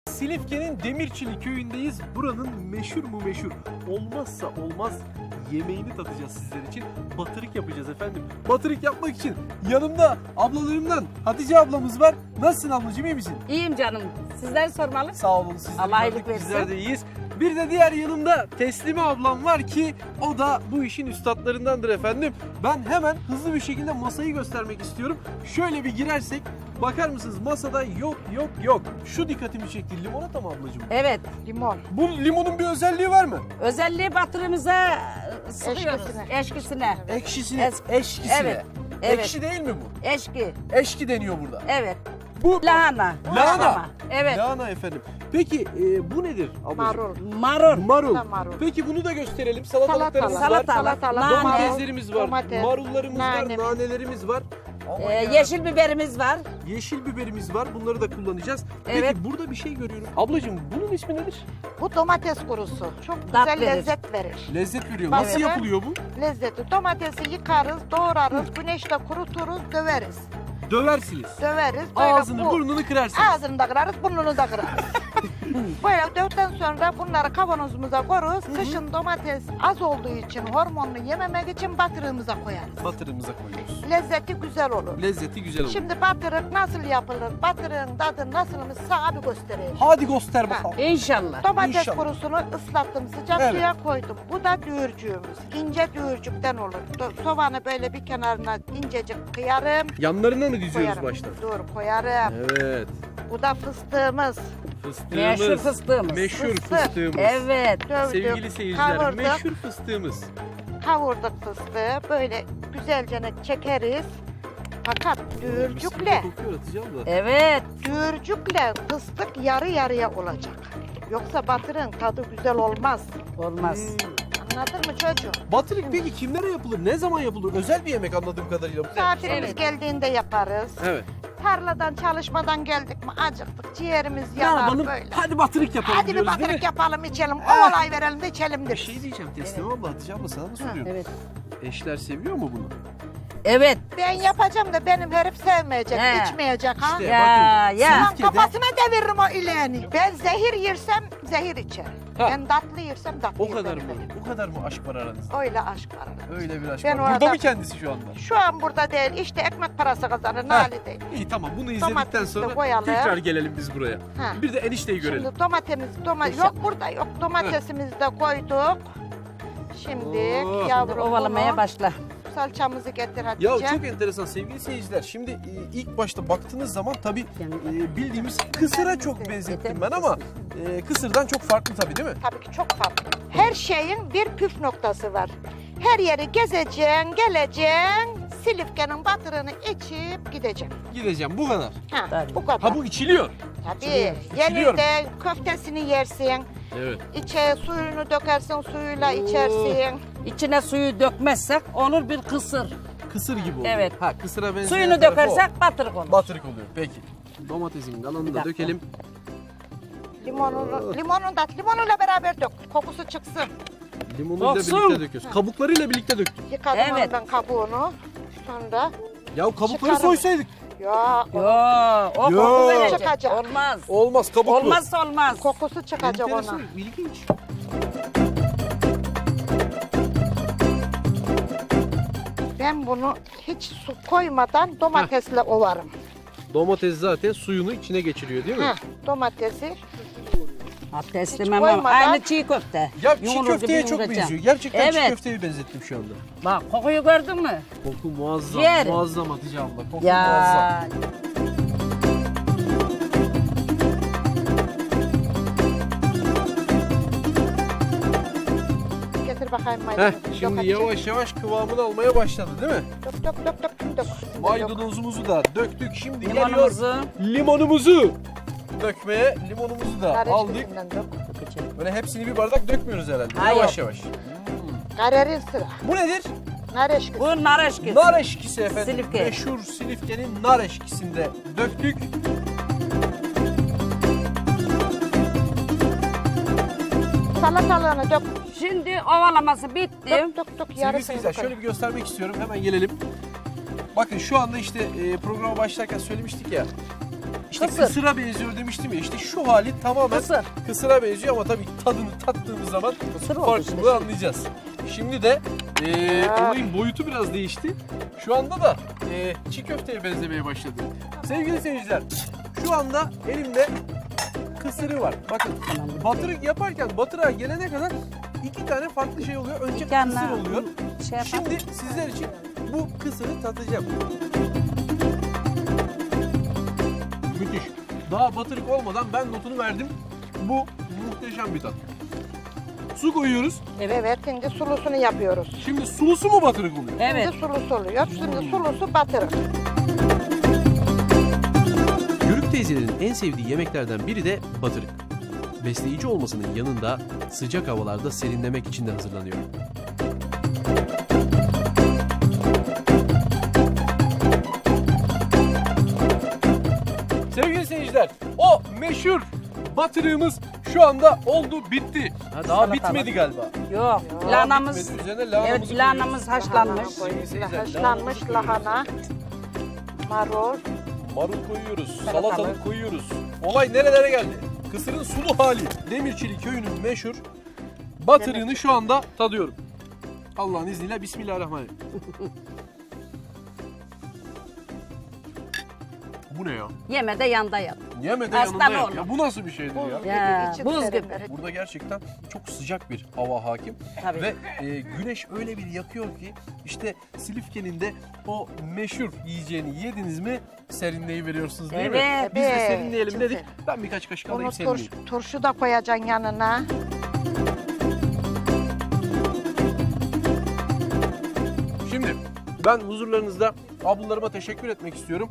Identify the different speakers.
Speaker 1: Silifke'nin Demirçili köyündeyiz. Buranın meşhur mu meşhur, olmazsa olmaz yemeğini tadacağız sizler için. Batırık yapacağız efendim. Batırık yapmak için yanımda ablalarımdan Hatice ablamız var. Nasılsın ablacığım, iyi misin?
Speaker 2: İyiyim canım. Sizleri sormalı.
Speaker 1: Sağ olun, sizleri
Speaker 2: Allah
Speaker 1: gördük,
Speaker 2: iyilik versin.
Speaker 1: bizler de iyiyiz. Bir de diğer yanımda Teslime ablam var ki o da bu işin üstadlarındandır efendim. Ben hemen hızlı bir şekilde masayı göstermek istiyorum. Şöyle bir girersek bakar mısınız, masada yok. Şu dikkatimi çekti, limonata mı ablacığım?
Speaker 2: Evet, limon.
Speaker 1: Bu limonun bir özelliği var mı?
Speaker 2: Özelliği batırımıza sıkıyoruz. Eşkisine.
Speaker 1: Ekşisine, eşkisine.
Speaker 2: Evet, evet.
Speaker 1: Ekşi değil mi bu?
Speaker 2: Eşki.
Speaker 1: Eşki deniyor burada.
Speaker 2: Evet.
Speaker 1: Bu
Speaker 2: Lahana.
Speaker 1: lahana.
Speaker 2: Evet.
Speaker 1: Lahana efendim. Peki bu nedir ablacığım?
Speaker 3: Marul.
Speaker 2: Marul.
Speaker 1: Marul.
Speaker 3: Marul.
Speaker 1: Peki bunu da gösterelim. Salatalıklarımız var.
Speaker 2: Salatalık. Nane.
Speaker 1: Domateslerimiz var.
Speaker 3: Domates,
Speaker 1: Marullarımız
Speaker 3: nane.
Speaker 1: var. Nanelerimiz var. Aman ya.
Speaker 2: Yeşil biberimiz var.
Speaker 1: Yeşil biberimiz var. Bunları da kullanacağız.
Speaker 2: Evet.
Speaker 1: Peki burada bir şey görüyorum. Ablacığım bunun ismi nedir?
Speaker 3: Bu domates kurusu. Çok
Speaker 2: Tat
Speaker 3: güzel
Speaker 2: verir.
Speaker 3: lezzet verir.
Speaker 1: Lezzet veriyor.
Speaker 3: Bak,
Speaker 1: Nasıl
Speaker 3: evet.
Speaker 1: yapılıyor bu?
Speaker 3: Lezzeti. Domatesi yıkarız, doğrarız, güneşte kuruturuz, döveriz.
Speaker 1: Döversiniz.
Speaker 3: Döveriz. Böyle
Speaker 1: Ağzını burnunu kırarsınız.
Speaker 3: Ağzını da kırarız, burnunu da kırarız. Böyle dövdükten sonra bunları kavanozumuza koyarız. Kışın domates az olduğu için, hormonlu yememek için batırığımıza koyarız.
Speaker 1: Batırımıza koyuyoruz.
Speaker 3: Lezzeti güzel olur.
Speaker 1: Lezzeti güzel olur.
Speaker 3: Şimdi batırık nasıl yapılır? Batırığın tadı nasılmış sana bir göstereyim.
Speaker 1: Hadi göster bakalım.
Speaker 2: İnşallah.
Speaker 3: Domates
Speaker 1: İnşallah.
Speaker 3: kurusunu ıslattım, sıcak
Speaker 1: Evet.
Speaker 3: suya koydum. Bu da düğürcüğümüz. İnce düğürcükten olur. Soğanı böyle bir kenarına incecik kıyarım.
Speaker 1: Yanlarına mı diziyoruz
Speaker 3: Koyarım.
Speaker 1: baştan?
Speaker 3: Dur koyarım.
Speaker 1: Evet.
Speaker 3: Bu da fıstığımız.
Speaker 1: Fıstığımız.
Speaker 2: Meşhur fıstığımız.
Speaker 1: Meşhur
Speaker 3: Fıstık.
Speaker 1: fıstığımız.
Speaker 2: Evet.
Speaker 3: Dövdük,
Speaker 1: Sevgili seyirciler,
Speaker 3: kavurduk,
Speaker 1: meşhur fıstığımız.
Speaker 3: kavurduk fıstığı. Böyle güzelce çekeriz. Fakat düğürcükle,
Speaker 1: Kokuyor Hatice abla.
Speaker 2: Evet.
Speaker 3: düğürcükle fıstık yarı yarıya olacak. Yoksa batırın tadı güzel olmaz.
Speaker 2: Olmaz.
Speaker 3: Anladın mı çocuğum?
Speaker 1: Batırık peki kimlere yapılır? Ne zaman yapılır? Özel bir yemek anladığım kadarıyla.
Speaker 3: Misafirimiz
Speaker 2: Evet.
Speaker 3: geldiğinde yaparız.
Speaker 1: Evet.
Speaker 3: Tarladan çalışmadan geldik mi acıktık. Ciğerimiz
Speaker 1: Ne
Speaker 3: yanar
Speaker 1: yapalım?
Speaker 3: böyle.
Speaker 1: Hadi batırık yapalım
Speaker 3: Hadi bir
Speaker 1: diyoruz, değil
Speaker 3: batırık
Speaker 1: mi?
Speaker 3: yapalım içelim.
Speaker 1: Ah.
Speaker 3: Ovalay verelim de içelim
Speaker 1: Bir
Speaker 3: deriz.
Speaker 1: şey diyeceğim Teslime abla, Hatice abla sana mı soruyorum?
Speaker 2: Evet.
Speaker 1: Eşler seviyor mu bunu?
Speaker 2: Evet.
Speaker 3: Ben yapacağım da benim herif sevmeyecek,
Speaker 2: He.
Speaker 3: içmeyecek ha.
Speaker 1: İşte
Speaker 2: Ya,
Speaker 1: bakın.
Speaker 2: ya.
Speaker 3: Ulan
Speaker 1: Silifke'de-
Speaker 3: kafasına deviririm o ileğini. Ben zehir yersem zehir içerim.
Speaker 1: Ha.
Speaker 3: Ben tatlı yersem tatlı
Speaker 1: O kadar mı?
Speaker 3: yerim.
Speaker 1: O kadar mı aşk var aranızda?
Speaker 3: Öyle aşk var. arada.
Speaker 1: Öyle bir aşk
Speaker 3: Ben
Speaker 1: var.
Speaker 3: o
Speaker 1: Burada
Speaker 3: adam-
Speaker 1: mı kendisi şu anda?
Speaker 3: Şu an burada değil. İşte ekmek parası kazanır. Nali değil.
Speaker 1: İyi tamam, bunu izledikten
Speaker 3: Domatesi de
Speaker 1: sonra
Speaker 3: koyalım.
Speaker 1: tekrar gelelim biz buraya.
Speaker 3: Ha.
Speaker 1: Bir de enişteyi görelim.
Speaker 3: Şimdi domatesimiz yok burada yok. Domatesimizi de koyduk. Şimdi
Speaker 1: Oh.
Speaker 3: yavrum
Speaker 2: Ovalamaya
Speaker 3: bunu,
Speaker 2: başla.
Speaker 3: salçamızı getir Hatice.
Speaker 1: Ya çok enteresan sevgili seyirciler. Şimdi ilk başta baktığınız zaman tabii bildiğimiz kısıra çok benzettim ben ama kısırdan çok farklı tabii, değil mi?
Speaker 3: Tabii ki çok farklı. Her şeyin bir püf noktası var. Her yeri gezeceksin, geleceksin, Silifke'nin batırını içip gideceksin.
Speaker 1: Gideceğim, bu kadar.
Speaker 3: Ha,
Speaker 2: Tabii.
Speaker 3: bu kadar.
Speaker 1: Ha, bu içiliyor.
Speaker 3: Tabii.
Speaker 1: içiliyor.
Speaker 3: Yenir de köftesini yersin,
Speaker 1: Evet.
Speaker 3: içe suyunu dökersin, suyuyla içersin.
Speaker 2: İçine suyu dökmezsek olur bir kısır.
Speaker 1: Kısır gibi oluyor.
Speaker 2: Evet.
Speaker 1: Ha, kısıra benzeyen
Speaker 2: Suyunu
Speaker 1: tarafı
Speaker 2: dökersek batırık olur.
Speaker 1: o. Batırık oluyor. Peki. Domatesin kalanını da
Speaker 2: dakika.
Speaker 1: dökelim.
Speaker 3: Limonuyla beraber dök, kokusu çıksın.
Speaker 1: Limonuyla
Speaker 2: Koksun.
Speaker 1: birlikte döküyoruz. Kabuklarıyla birlikte döktük.
Speaker 3: Yıkadım
Speaker 2: Evet.
Speaker 3: ondan kabuğunu. Sonra
Speaker 1: Ya kabukları
Speaker 3: Çıkarım.
Speaker 1: soysaydık.
Speaker 3: ya
Speaker 2: Yo, o
Speaker 1: Yo.
Speaker 2: koku verecek.
Speaker 3: Çıkacak.
Speaker 2: Olmaz.
Speaker 1: Olmaz, kabuklu.
Speaker 2: Olmazsa olmaz.
Speaker 3: kokusu çıkacak
Speaker 1: Enteresan,
Speaker 3: ona.
Speaker 1: ilginç.
Speaker 3: Ben bunu hiç su koymadan domatesle ovarım.
Speaker 1: Domates zaten suyunu içine geçiriyor, değil mi?
Speaker 3: Heh, domatesi
Speaker 2: Ha, teslimem
Speaker 3: koymadan-
Speaker 2: ama aynı çiğ köfte.
Speaker 1: Ya çiğ
Speaker 2: Yumurur
Speaker 1: köfteye
Speaker 2: gibi
Speaker 1: çok
Speaker 2: yoğuracağım.
Speaker 1: benziyor. Gerçekten çiğ
Speaker 2: Evet.
Speaker 1: köfteye benzettim şu anda.
Speaker 2: Bak kokuyu gördün mü?
Speaker 1: Koku muazzam,
Speaker 2: Ciğer.
Speaker 1: muazzam Hatice abla. Koku muazzam.
Speaker 2: Ya.
Speaker 3: getir bakayım
Speaker 1: Heh,
Speaker 3: maydanozu.
Speaker 1: şimdi yavaş yavaş kıvamını almaya başladı, değil mi?
Speaker 3: Dök.
Speaker 1: Maydanozumuzu da döktük. Şimdi geliyor
Speaker 2: Limonumuzu.
Speaker 1: limonumuzu dökmeye. Limonumuzu da
Speaker 3: Nar
Speaker 1: aldık.
Speaker 3: eşkisinden dök.
Speaker 1: Böyle hepsini bir bardak dökmüyoruz herhalde.
Speaker 2: Hayır.
Speaker 1: Yavaş yavaş.
Speaker 3: Karerin sıra.
Speaker 1: Bu nedir?
Speaker 3: Nar eşkisi.
Speaker 2: Bu nar eşkisi.
Speaker 1: Nar eşkisi efendim.
Speaker 2: Silifke.
Speaker 1: Meşhur Silifke'nin nar eşkisini de döktük.
Speaker 3: Salatalığını dök.
Speaker 2: Şimdi ovalaması bitti.
Speaker 3: Dök.
Speaker 1: Sevgili
Speaker 3: Yarısını
Speaker 1: seyirciler
Speaker 3: dök.
Speaker 1: şöyle bir göstermek istiyorum. Hemen gelelim. Bakın şu anda işte programa başlarken söylemiştik ya. işte
Speaker 2: Kısır.
Speaker 1: kısıra benziyor demiştim ya. İşte şu hali tamamen
Speaker 2: Kısır.
Speaker 1: kısıra benziyor ama tabii tadını tattığımız zaman
Speaker 2: Kısır oldu
Speaker 1: farklılığı
Speaker 2: işte.
Speaker 1: anlayacağız. Şimdi de olayın boyutu biraz değişti. Şu anda da çiğ köfteye benzemeye başladı. Sevgili seyirciler, şu anda elimde kısırı var. Bakın batırık yaparken batırığa gelene kadar 2 tane farklı şey oluyor. Önce
Speaker 2: İki yana
Speaker 1: kısır oluyor.
Speaker 2: şey yapalım.
Speaker 1: Şimdi sizler için bu kısırı tatacağım. Müthiş. Daha batırık olmadan ben notunu verdim. Bu muhteşem bir tat. Su koyuyoruz.
Speaker 3: Evet, şimdi sulusunu yapıyoruz.
Speaker 1: Şimdi sulusu mu batırık oluyor?
Speaker 2: Evet.
Speaker 3: Şimdi sulusu oluyor. Şimdi sulusu batırık.
Speaker 1: Yörük teyzelerin en sevdiği yemeklerden biri de batırık. Besleyici olmasının yanında sıcak havalarda serinlemek için de hazırlanıyor. Sevgili seyirciler, o meşhur batırığımız şu anda oldu, bitti. Ha, daha
Speaker 2: Salata
Speaker 1: bitmedi
Speaker 2: var.
Speaker 1: galiba.
Speaker 2: Yok.
Speaker 3: Yok,
Speaker 2: Lahanamız.
Speaker 1: Bitmedi. Üzerine lahanamızı
Speaker 2: Evet, lahanamız
Speaker 1: koyuyoruz.
Speaker 2: haşlanmış.
Speaker 1: Sevgili seyirciler,
Speaker 3: Haşlanmış
Speaker 1: lahanamızı
Speaker 3: lahana, marul.
Speaker 1: Marul koyuyoruz,
Speaker 2: Salatalık.
Speaker 1: salatalık koyuyoruz. Olay nerelere geldi? Kısırın sulu hali. Demirçili köyünün meşhur batırığını şu anda tadıyorum. Allah'ın izniyle Bismillahirrahmanirrahim. Bu ne ya?
Speaker 2: Yeme de yanda yat.
Speaker 1: Yeme de
Speaker 2: Aslan
Speaker 1: yanında yap.
Speaker 2: oğlum.
Speaker 1: Ya bu nasıl bir şeydir ya?
Speaker 3: Buz
Speaker 2: Ya,
Speaker 3: gibi, içi
Speaker 2: buz gibi.
Speaker 3: serinler.
Speaker 1: Burada gerçekten çok sıcak bir hava hakim.
Speaker 2: Tabii.
Speaker 1: Ve güneş öyle bir yakıyor ki işte Silifke'nin de o meşhur yiyeceğini yediniz mi serinleyi veriyorsunuz değil mi?
Speaker 2: Evet.
Speaker 1: Biz de
Speaker 3: Evet,
Speaker 1: serinleyelim
Speaker 3: çok
Speaker 1: dedik.
Speaker 3: serin.
Speaker 1: Ben birkaç kaşık
Speaker 3: Bunu
Speaker 1: alayım serinleyeyim.
Speaker 3: turşu da koyacaksın yanına.
Speaker 1: Şimdi ben huzurlarınızda ablalarıma teşekkür etmek istiyorum.